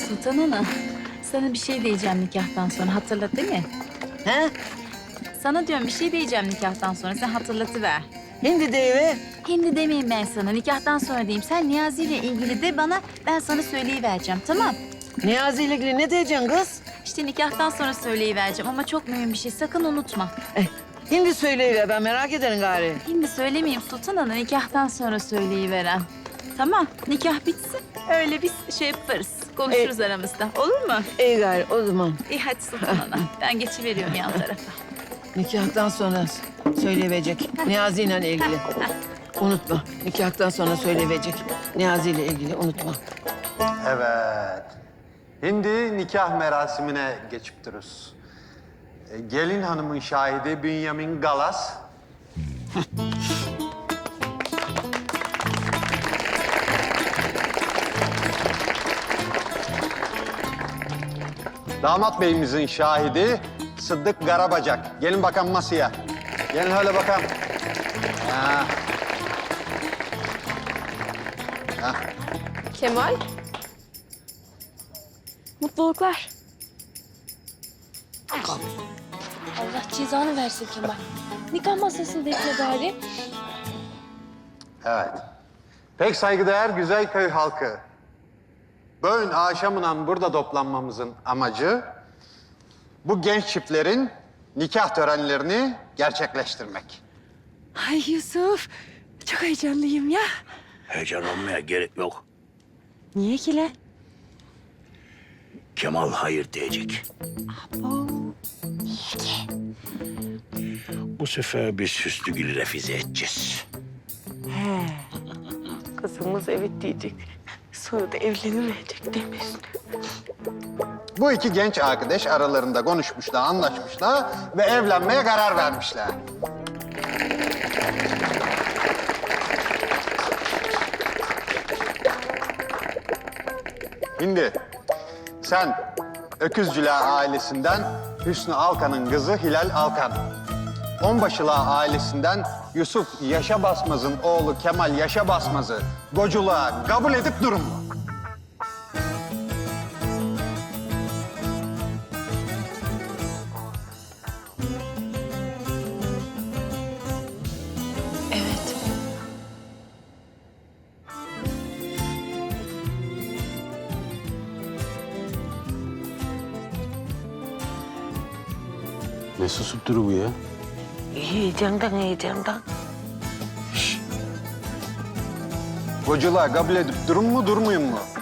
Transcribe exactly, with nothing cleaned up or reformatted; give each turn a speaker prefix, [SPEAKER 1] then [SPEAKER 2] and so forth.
[SPEAKER 1] Sultan Ana, sana bir şey diyeceğim nikahtan sonra. Hatırlat değil mi?
[SPEAKER 2] He?
[SPEAKER 1] Sana diyorum bir şey diyeceğim nikahtan sonra. Sen hatırlatıver.
[SPEAKER 2] Hindi deyiver.
[SPEAKER 1] Şimdi demeyeyim ben sana. Nikahtan sonra diyeyim. Sen Niyazi ile ilgili de bana, ben sana söyleyivereceğim. Tamam?
[SPEAKER 2] Niyazi ile ilgili ne diyeceksin kız?
[SPEAKER 1] İşte nikahtan sonra söyleyivereceğim ama çok mühim bir şey. Sakın unutma.
[SPEAKER 2] Eh, hindi söyleyiver, ben merak ederim gari.
[SPEAKER 1] Şimdi söylemeyeyim Sultan Ana. Nikahtan sonra söyleyiveren. Tamam. Nikah bitsin. Öyle biz şey yaparız. Konuşuruz aramızda. Olur mu?
[SPEAKER 2] İyi gari, o zaman.
[SPEAKER 1] İyi hadi Sultan Ana. Ben geçiveriyorum yan tarafa.
[SPEAKER 2] Nikahtan sonra söyleyiverecek Niyazi ile ilgili. Unutma, nikahtan sonra söyleyiverecek Niyazi ile ilgili, unutma.
[SPEAKER 3] Evet. Şimdi nikah merasimine geçip dururuz. E, Gelin hanımın şahidi Bünyamin Galas. Damat beyimizin şahidi Sıddık Garabacak. Gelin bakalım masaya. Gelin öyle bakalım. Ha. Ha.
[SPEAKER 4] Kemal. Mutluluklar. Allah cezanı versin Kemal. Nikah masasını bekle gari.
[SPEAKER 3] Evet. Pek saygıdeğer güzel köy halkı. Bugün akşamından burada toplanmamızın amacı bu genç çiftlerin nikah törenlerini gerçekleştirmek.
[SPEAKER 5] Ay Yusuf, çok heyecanlıyım ya.
[SPEAKER 6] Heyecan olmaya gerek yok.
[SPEAKER 5] Niye ki lan?
[SPEAKER 6] Kemal hayır diyecek. Bu sefer biz Hüsnügül'ü refize edeceğiz.
[SPEAKER 5] He. Kızımız evet diyecek. Sonra da evlenemeyecek demiş.
[SPEAKER 3] Bu iki genç arkadaş aralarında konuşmuşlar, anlaşmışlar ve evlenmeye karar vermişler. Şimdi sen Öküzcüler ailesinden Hüsnü Alkan'ın kızı Hilal Alkan. Onbaşılar ailesinden Yusuf Yaşa Basmaz'ın oğlu Kemal Yaşa Basmaz'ı goculuğa kabul edip durun mu?
[SPEAKER 4] Evet.
[SPEAKER 6] Ne susup duru bu ya?
[SPEAKER 5] Heyecandan heyecandan.
[SPEAKER 3] Goculuğa kabul edip durun mu durmayın mu?